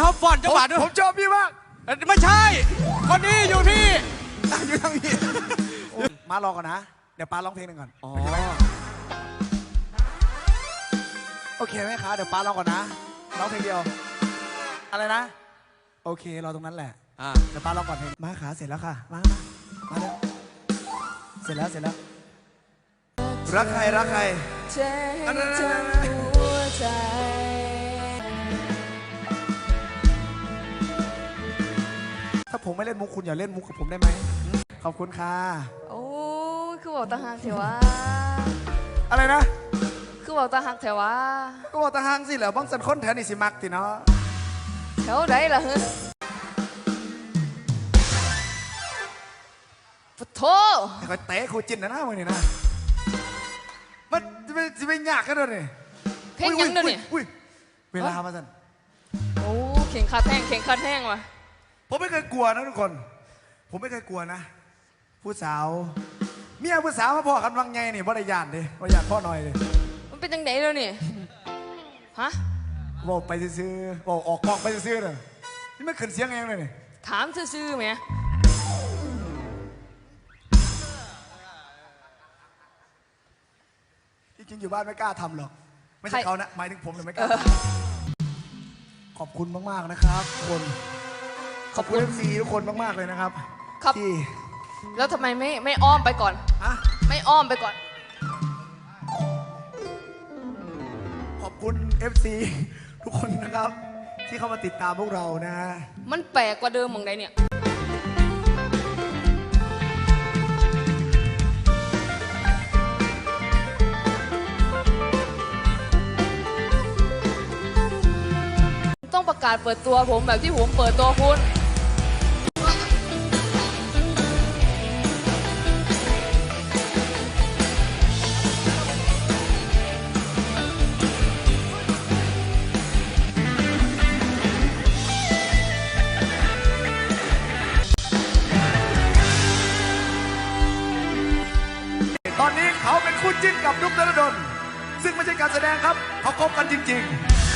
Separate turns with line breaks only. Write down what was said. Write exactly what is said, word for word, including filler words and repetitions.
อฟอนจังหวะด้วย
ผมชอบพี่มาก
ไม่ใช่ คนนี้อยู่ที่อยู่ทางนี้
มารอก่อนนะเดี๋ยวป้าร้องเพลงหนึ่งก่อน
อ๋อ
โอเคไหมคะเดี๋ยวป้าร้องก่อนนะร้องเพลงเดียวอะไรนะโอเครอตรงนั้นแหละเดี๋ยวป้าร้องก่อนเพลงมาขาเสร็จแล้วค่ะมามามาเลยเสร็จแล้วเสร็จแล้วรักใครรักใคร
ใจทั้งหัวใจ
ถ้าผมไม่เล่นมุกคุณอย่าเล่นมุกกับผมได้ไหมขอบคุณค่ะ
โอ้คือบอกตาหักเถอะวะ
อะไรนะ
คือบอกตาหักเถอะวะ
ก็บอกตาหางสิเหรอบ้องสันค้นแถวนี่สิมักติเนาะ
แถวไหนล่ะฮึปะโถ
ไอ้คอยเตะครูจินนะนะมึงนี่นะมันจะไปจะไปยากกันด้วยนี่
เพลงยังเดี๋ยวนี้
เวลามาสัน
โอ้เข่งขัดแห้งเข่งขัดแห้งว่ะ
ผมไม่เคยกลัวนะทุกคนผมไม่เคยกลัวนะผู้สาวเมียผู้สาวมาพ่อกันวังไงนี่บ่ได้ยานดิบ่ยานพ่อหน่อยเลย
มันเป็นยังไงแล้วนี่ฮะ
บอกไปซื้อบอกออกกองไปซื้อเลยนี่ไม่ขึ้นเสียงเองเลยนี่
ถามซื่อๆไหม
จริงๆอยู่บ้านไม่กล้าทำหรอกไม่ใช่เขานะหมายถึงผมเลยไม่กล้าขอบคุณมากๆนะครับทุกคนขอบคุณเอฟซีทุกคนมากๆเลยนะครับที่
แล้วทำไมไม่ไม่อ้อมไปก่อน
อะ
ไม่อ้อมไปก่อน
ขอบคุณ เอฟ ซี ทุกคนนะครับที่เข้ามาติดตามพวกเรานะ
มันแปลกกว่าเดิมมองใดเนี่ยต้องประกาศเปิดตัวผมแบบที่ผมเปิดตัวคุณ
ตอนนี้เขาเป็นคู่จิ้นกับนุ๊กธนดลซึ่งไม่ใช่การแสดงครับเขาคบกันจริงๆ